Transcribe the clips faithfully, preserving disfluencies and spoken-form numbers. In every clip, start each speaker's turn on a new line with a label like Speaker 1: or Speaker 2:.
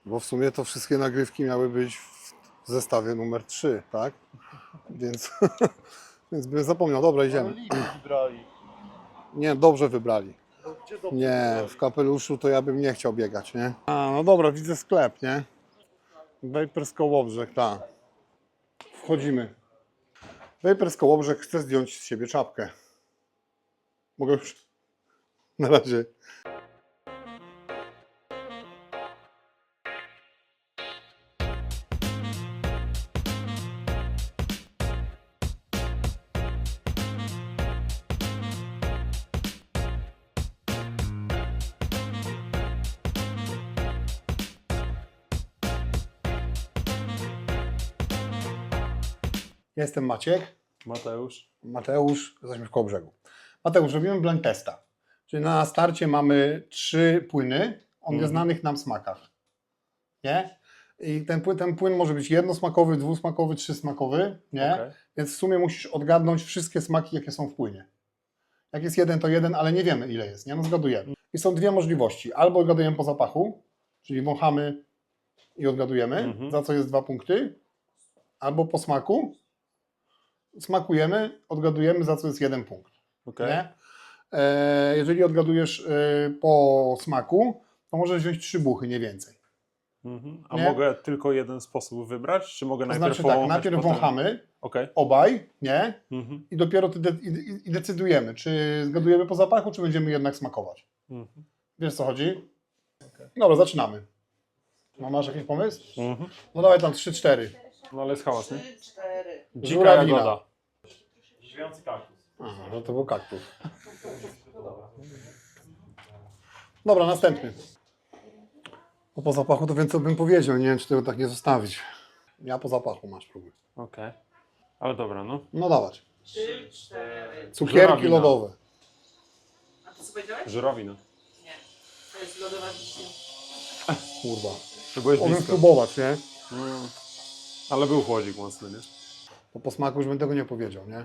Speaker 1: Bo w sumie to wszystkie nagrywki miały być w zestawie numer trzy, tak? Więc, więc bym zapomniał. Dobra, idziemy.
Speaker 2: Wybrali.
Speaker 1: Nie, dobrze wybrali.
Speaker 2: No, gdzie dobrze
Speaker 1: Nie,
Speaker 2: wybrali?
Speaker 1: w kapeluszu to ja bym nie chciał biegać, nie? A, no dobra, widzę sklep, nie? Vapers Kołobrzeg, tak. Wchodzimy. Vapers Kołobrzeg chce zdjąć z siebie czapkę. Mogę już? Na razie. Jestem Maciek.
Speaker 2: Mateusz.
Speaker 1: Mateusz, jesteśmy w Kołobrzegu. Mateusz, robimy blind testa. Czyli na starcie mamy trzy płyny o nieznanych nam smakach. Nie? I ten płyn, ten płyn może być jednosmakowy, dwusmakowy, trzysmakowy, nie?
Speaker 2: Okay.
Speaker 1: Więc w sumie musisz odgadnąć wszystkie smaki, jakie są w płynie. Jak jest jeden, to jeden, ale nie wiemy, ile jest, nie? No zgadujemy. I są dwie możliwości. Albo odgadujemy po zapachu, czyli wąchamy i odgadujemy,
Speaker 2: Mhm.
Speaker 1: za co jest dwa punkty. Albo po smaku. Smakujemy, odgadujemy, za co jest jeden punkt.
Speaker 2: Okay.
Speaker 1: Nie? E, jeżeli odgadujesz e, po smaku, to możesz wziąć trzy buchy, nie więcej.
Speaker 2: Mhm. A
Speaker 1: Nie?
Speaker 2: mogę tylko jeden sposób wybrać? Czy mogę
Speaker 1: To
Speaker 2: najpierw
Speaker 1: znaczy tak,
Speaker 2: powąchać,
Speaker 1: najpierw
Speaker 2: potem...
Speaker 1: wąchamy,
Speaker 2: Okay.
Speaker 1: obaj, nie?
Speaker 2: Mhm.
Speaker 1: I dopiero ty de i, i decydujemy, czy zgadujemy po zapachu, czy będziemy jednak smakować.
Speaker 2: Mhm.
Speaker 1: Wiesz, co chodzi? Dobra, zaczynamy. No, masz jakiś pomysł?
Speaker 2: Mhm.
Speaker 1: No dawaj tam trzy cztery.
Speaker 2: No ale jest hałas, nie?
Speaker 3: Trzy, cztery.
Speaker 2: Dzika
Speaker 1: Żurawina.
Speaker 2: jagoda.
Speaker 4: Żywiący kaktus.
Speaker 1: Aha, no to był kaktus. Dobra, następny. No po zapachu to więcej bym powiedział, nie wiem, czy tego tak nie zostawić. Ja po zapachu masz próby.
Speaker 2: Okej. Okay. Ale dobra, no.
Speaker 1: No dawać.
Speaker 3: Trzy, cztery.
Speaker 1: Cukierki
Speaker 2: Żurawina.
Speaker 1: lodowe.
Speaker 3: A ty co powiedziałeś?
Speaker 2: Żurawina.
Speaker 3: Nie. To jest lodowa wiśnia.
Speaker 1: Kurwa.
Speaker 2: To byłeś
Speaker 1: Mogę
Speaker 2: blisko.
Speaker 1: spróbować, nie?
Speaker 2: Mm. Ale był chłodzik mocny, nie?
Speaker 1: Bo po smaku już bym tego nie powiedział, nie?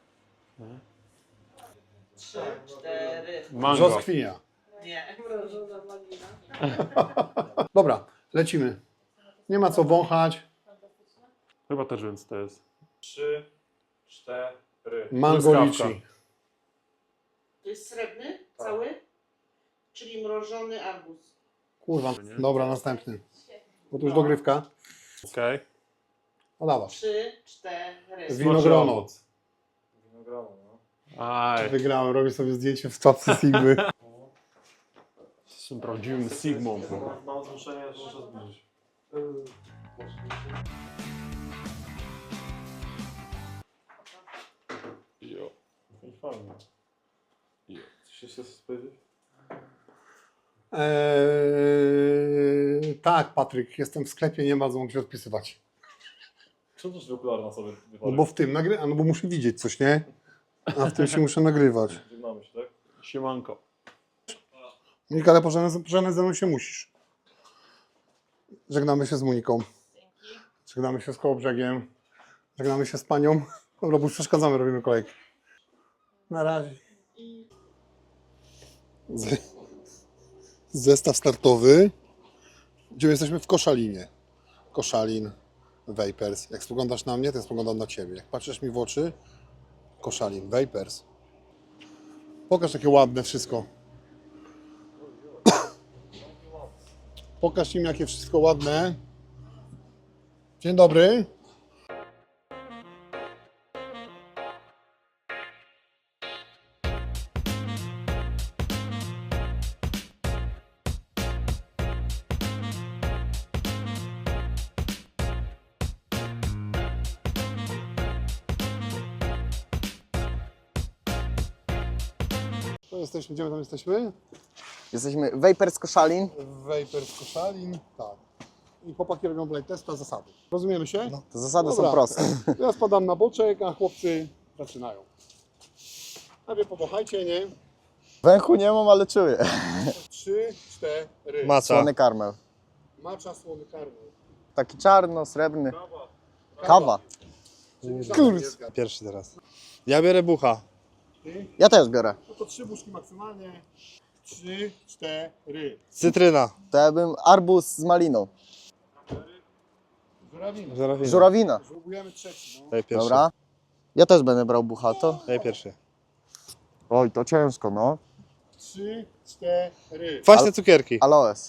Speaker 3: Trzy, cztery.
Speaker 2: Mango.
Speaker 1: Brzoskwinia.
Speaker 3: Nie. Mrożona malina.
Speaker 1: Dobra, lecimy. Nie ma co wąchać.
Speaker 2: Chyba też wiem, co to jest.
Speaker 4: Trzy, cztery.
Speaker 1: Mango
Speaker 2: Truskawka.
Speaker 1: liczy.
Speaker 3: To jest srebrny? Cały? Czyli mrożony arbuz.
Speaker 1: Kurwa.
Speaker 2: Nie?
Speaker 1: Dobra, następny. Bo tu już dogrywka.
Speaker 2: Okej. Okay.
Speaker 1: No dawać.
Speaker 3: Trzy, cztery.
Speaker 1: Winogrono.
Speaker 4: Winogrono, no.
Speaker 2: Aj.
Speaker 1: Wygrałem, robię sobie zdjęcie w czapce Sigmy.
Speaker 2: Jestem prawdziwym Sigmą.
Speaker 4: Mam zmuszenie, że muszę zbliżyć.
Speaker 2: Jo.
Speaker 4: I fajnie.
Speaker 2: Jo.
Speaker 4: Coś jeszcze chcesz powiedzieć?
Speaker 1: Eee, tak, Patryk, jestem w sklepie, nie ma co mogę się odpisywać.
Speaker 4: Czemu też okulary na sobie
Speaker 1: No
Speaker 4: wypadek?
Speaker 1: bo w tym nagry... A no bo muszę widzieć coś, nie? A w tym się muszę nagrywać.
Speaker 4: Żegnamy się, tak?
Speaker 2: Siemanko.
Speaker 1: Monika, ale pożegnać pożegnać ze mną się musisz. Żegnamy się z Moniką. Żegnamy się z Kołobrzegiem. Żegnamy się z panią. Dobra, bo już przeszkadzamy, robimy kolejkę. Na razie. Z... Zestaw startowy. Gdzie jesteśmy? W Koszalinie. Koszalin, Vapers. Jak spoglądasz na mnie, to ja spoglądam na ciebie. Jak patrzysz mi w oczy, Koszalin, Vapers. Pokaż takie ładne wszystko. Pokaż im, jakie wszystko ładne. Dzień dobry. To jesteśmy, gdzie my tam jesteśmy?
Speaker 5: Jesteśmy Vapers Koszalin.
Speaker 1: Vapers Koszalin, tak. I chłopaki robią blind testa, zasady. Rozumiemy się?
Speaker 5: No, te zasady
Speaker 1: Dobra.
Speaker 5: są proste.
Speaker 1: Ja spadam na boczek, a chłopcy zaczynają. Najpierw powąchajcie, nie?
Speaker 5: Węchu nie mam, ale czuję.
Speaker 1: Trzy, cztery.
Speaker 5: Słony karmel.
Speaker 1: Macza, słony karmel.
Speaker 5: Taki czarno, srebrny. Kawa.
Speaker 1: Kurs.
Speaker 6: Pierwszy teraz. Ja biorę bucha.
Speaker 1: Ty?
Speaker 5: Ja też biorę.
Speaker 1: No to trzy buszki maksymalnie. Trzy, cztery.
Speaker 6: Cytryna.
Speaker 5: To ja bym arbuz z maliną.
Speaker 1: Żurawina.
Speaker 6: Żurawina.
Speaker 5: Żurawina.
Speaker 1: Próbujemy trzeci. No.
Speaker 6: Daj pierwszy.
Speaker 5: Dobra. Ja też będę brał buchato.
Speaker 6: Daj pierwszy.
Speaker 5: Oj, to ciężko, no.
Speaker 1: Trzy, cztery.
Speaker 6: Kwaśne cukierki.
Speaker 5: Aloes.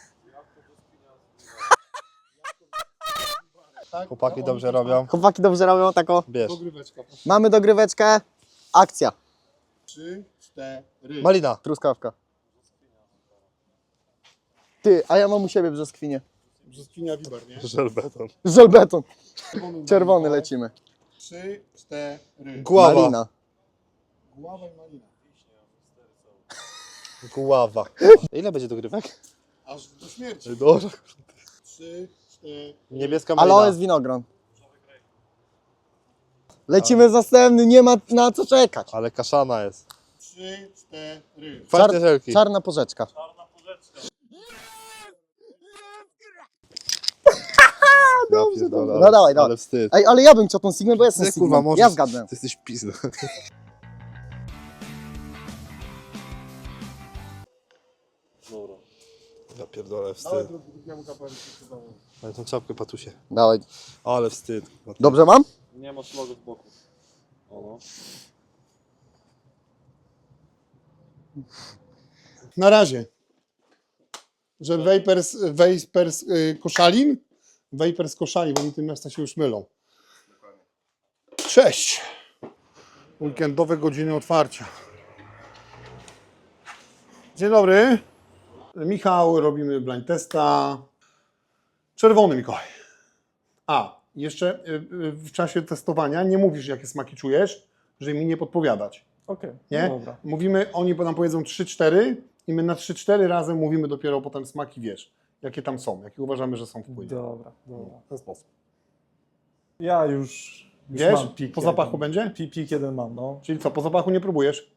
Speaker 1: Tak?
Speaker 6: Chłopaki
Speaker 1: No,
Speaker 6: dobrze
Speaker 1: oni-
Speaker 6: robią.
Speaker 5: Chłopaki dobrze robią tako.
Speaker 6: Bierz.
Speaker 1: Dogryweczka. proszę.
Speaker 5: Mamy dogryweczkę. Akcja.
Speaker 1: Trzy, cztery.
Speaker 6: Malina.
Speaker 5: Truskawka. Ty, a ja mam u siebie brzoskwinie.
Speaker 1: Brzoskwinia Wibar, nie?
Speaker 6: Żelbeton.
Speaker 5: Żelbeton.
Speaker 1: Czerwony,
Speaker 5: Czerwony
Speaker 1: malina.
Speaker 5: lecimy.
Speaker 1: Trzy, cztery.
Speaker 6: Guława.
Speaker 5: Malina.
Speaker 1: Gława i malina.
Speaker 6: Guława. Ile będzie dogrywek?
Speaker 1: Aż do śmierci.
Speaker 6: Dobrze.
Speaker 1: Trzy, cztery.
Speaker 6: Niebieska malina.
Speaker 5: Aloes winogron. Lecimy z następny, nie ma na co czekać.
Speaker 6: Ale kaszana jest.
Speaker 1: Trzy, cztery.
Speaker 6: Kwaśne żelki.
Speaker 5: Czarna porzeczka.
Speaker 6: Ja pierdolę, ale-
Speaker 5: No dawaj, dawaj.
Speaker 6: Ale wstyd.
Speaker 5: Ej, ale ja bym chciał tą Sigmę, bo ja jestem
Speaker 6: Ty,
Speaker 5: Sigmą.
Speaker 6: kurwa, możesz-
Speaker 5: Ja zgadnę.
Speaker 6: Ty jesteś pizda.
Speaker 4: Dobra.
Speaker 6: Ja pierdolę,
Speaker 1: Dawaj
Speaker 6: wstyd.
Speaker 1: drugi- drugiemu kapeluszu się założę.
Speaker 6: Ale tą czapkę patusie.
Speaker 5: Dawaj.
Speaker 6: Ale wstyd.
Speaker 5: Dobrze mam?
Speaker 4: Nie ma szlagu w boku. O no.
Speaker 1: Na razie. Że Vapers, Vapers y, Koszalin? Vapers Koszalin, bo mi te miasta się już mylą. Cześć. Weekendowe godziny otwarcia. Dzień dobry. Michał, robimy blind testa. Czerwony Mikołaj. A, jeszcze y, y, w czasie testowania nie mówisz, jakie smaki czujesz, żeby mi nie podpowiadać.
Speaker 2: Okej,
Speaker 1: Nie?
Speaker 2: no dobra.
Speaker 1: Mówimy, oni nam powiedzą trzy cztery i my na trzy cztery razem mówimy dopiero potem smaki, wiesz, jakie tam są, jakie uważamy, że są w płynie.
Speaker 2: Dobra, dobra.
Speaker 1: W ten sposób.
Speaker 2: Ja już, już
Speaker 1: Wiesz,
Speaker 2: mam pik
Speaker 1: po zapachu
Speaker 2: jeden.
Speaker 1: będzie?
Speaker 2: Pi, pik jeden mam, no.
Speaker 1: Czyli co, po zapachu nie próbujesz?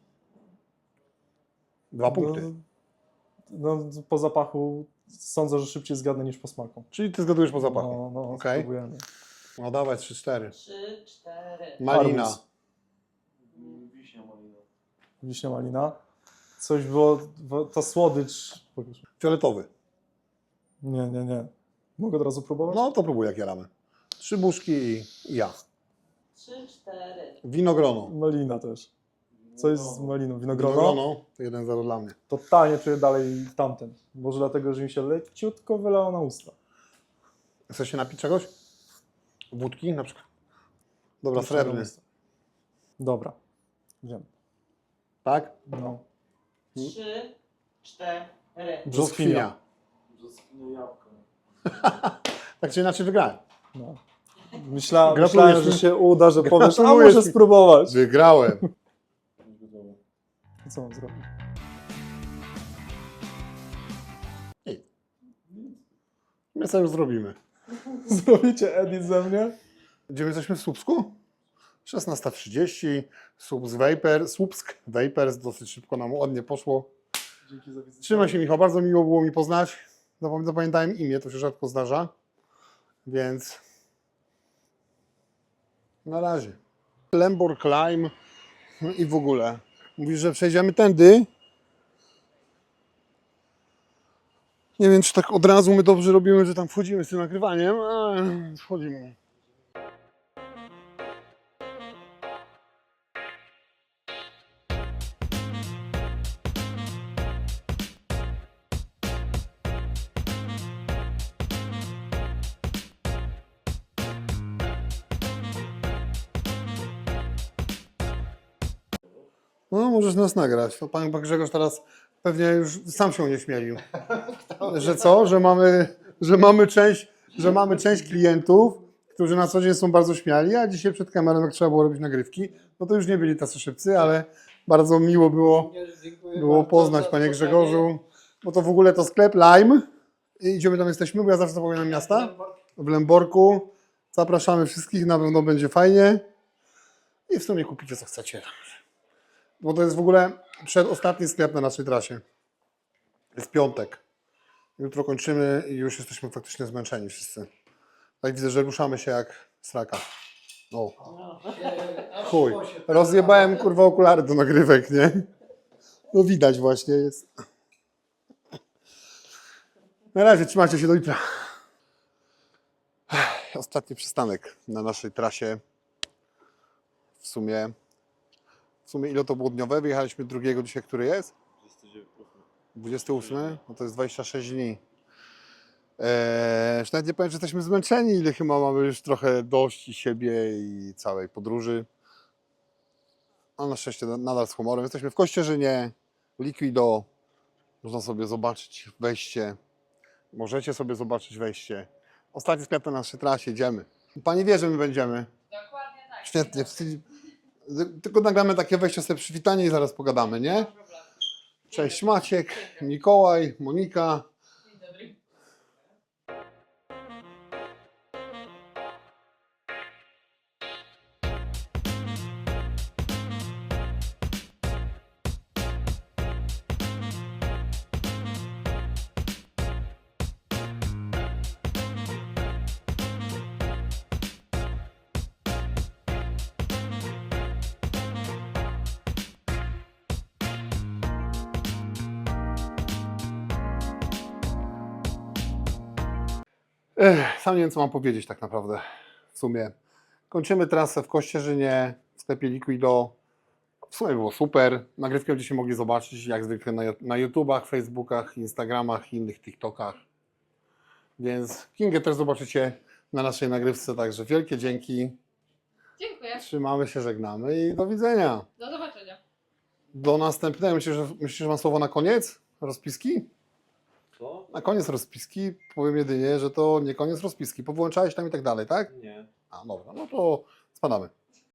Speaker 1: Dwa punkty.
Speaker 2: No, no, po zapachu sądzę, że szybciej zgadnę niż po smaku.
Speaker 1: Czyli ty zgadujesz po zapachu.
Speaker 2: No, no,
Speaker 1: Okej.
Speaker 2: spróbujemy.
Speaker 1: No dawaj, trzy cztery.
Speaker 3: Trzy, cztery.
Speaker 1: Malina.
Speaker 2: Arbuz.
Speaker 4: Wiśnia malina.
Speaker 2: Wiśnia malina. Coś było, bo ta słodycz... Pokaż.
Speaker 1: Fioletowy.
Speaker 2: Nie, nie, nie. Mogę od razu próbować?
Speaker 1: No to próbuj, jak jaramy. Trzy buszki i i ja.
Speaker 3: Trzy, cztery.
Speaker 1: Winogrono.
Speaker 2: Malina też. Coś z maliną. Winogrono?
Speaker 1: Winogrono to jeden zero dla mnie.
Speaker 2: Totalnie czuję dalej tamten. Może dlatego, że mi się leciutko wylało na usta.
Speaker 1: Chcesz się napić czegoś? Wódki na przykład? Dobra,
Speaker 2: Jeszcze na
Speaker 1: srebrny.
Speaker 2: usta. Dobra. Wiem.
Speaker 1: Tak?
Speaker 2: No.
Speaker 3: Trzy, cztery.
Speaker 2: Brzoskwinia.
Speaker 4: Brzoskwinia jabłko.
Speaker 1: Tak czy inaczej wygrałem.
Speaker 2: No. Myśla,
Speaker 1: Gratulujesz
Speaker 2: myślałem, że
Speaker 1: mi.
Speaker 2: się uda, że powiesz, a
Speaker 1: Gratulujesz
Speaker 2: może
Speaker 1: mi.
Speaker 2: spróbować.
Speaker 1: Wygrałem.
Speaker 2: Co mam zrobić?
Speaker 1: My sobie już zrobimy.
Speaker 2: Zrobicie edit ze mnie?
Speaker 1: Gdzie my jesteśmy w Słupsku? szesnasta trzydzieści. Słupsk Vapor. Słupsk Vapers. Dosyć szybko nam ładnie poszło.
Speaker 2: Dzięki za wizytę.
Speaker 1: Trzymaj się, Michał. Bardzo miło było mi poznać. Zapam- Zapamiętałem imię, to się rzadko zdarza. Więc na razie. Lembor Climb no i w ogóle. Mówisz, że przejdziemy tędy. Nie wiem, czy tak od razu my dobrze robimy, że tam wchodzimy z tym nagrywaniem, ale wchodzimy. No, możesz nas nagrać. To pan Grzegorz teraz pewnie już sam się unieśmielił. Że co? Że mamy, że mamy część, że mamy część klientów, którzy na co dzień są bardzo śmiali, a dzisiaj przed kamerą, jak trzeba było robić nagrywki, no to już nie byli tacy szybcy, ale bardzo miło było, było poznać, panie Grzegorzu. Bo to w ogóle to sklep Lime. I gdzie my tam jesteśmy? Bo ja zawsze zapominam miasta. W Lęborku. Zapraszamy wszystkich, na pewno będzie fajnie. I w sumie kupicie co chcecie. Bo to jest w ogóle przedostatni sklep na naszej trasie. Jest piątek. Jutro kończymy i już jesteśmy faktycznie zmęczeni wszyscy. Tak widzę, że ruszamy się jak sraka. O. Chuj. Rozjebałem kurwa okulary do nagrywek, nie? No widać właśnie jest. Na razie, trzymajcie się do jutra. Ostatni przystanek na naszej trasie. W sumie, w sumie ile to było dniowe? Wyjechaliśmy drugiego dzisiaj, który jest? dwudziesty ósmy? No to jest dwadzieścia sześć dni. Eee, już nawet nie powiem, że jesteśmy zmęczeni, ile chyba mamy już trochę dość i siebie i całej podróży. A na szczęście nadal z humorem. Jesteśmy w Kościerzynie, Liquido. Można sobie zobaczyć wejście. Możecie sobie zobaczyć wejście. Ostatni sklep na naszej trasie, idziemy. Pani wie, że my będziemy.
Speaker 3: Dokładnie tak.
Speaker 1: Świetnie. Tylko nagramy takie wejście sobie przywitanie i zaraz pogadamy, nie? Cześć Maciek, Mikołaj, Monika.
Speaker 3: Dzień dobry.
Speaker 1: Ech, sam nie wiem, co mam powiedzieć tak naprawdę. W sumie kończymy trasę w Kościerzynie, w sklepie Liquido. W sumie było super. Nagrywkę będziecie mogli zobaczyć jak zwykle na, na YouTubach, Facebookach, Instagramach i innych TikTokach. Więc Kingę też zobaczycie na naszej nagrywce, także wielkie dzięki.
Speaker 7: Dziękuję.
Speaker 1: Trzymamy się, żegnamy i do widzenia.
Speaker 7: Do zobaczenia.
Speaker 1: Do następnego. Myślisz, że, myślisz, że mam słowo na koniec? Rozpiski?
Speaker 4: Co?
Speaker 1: Na koniec rozpiski powiem jedynie, że to nie koniec rozpiski. Powłączałeś tam i tak dalej, tak?
Speaker 4: Nie.
Speaker 1: A dobra, no to spadamy.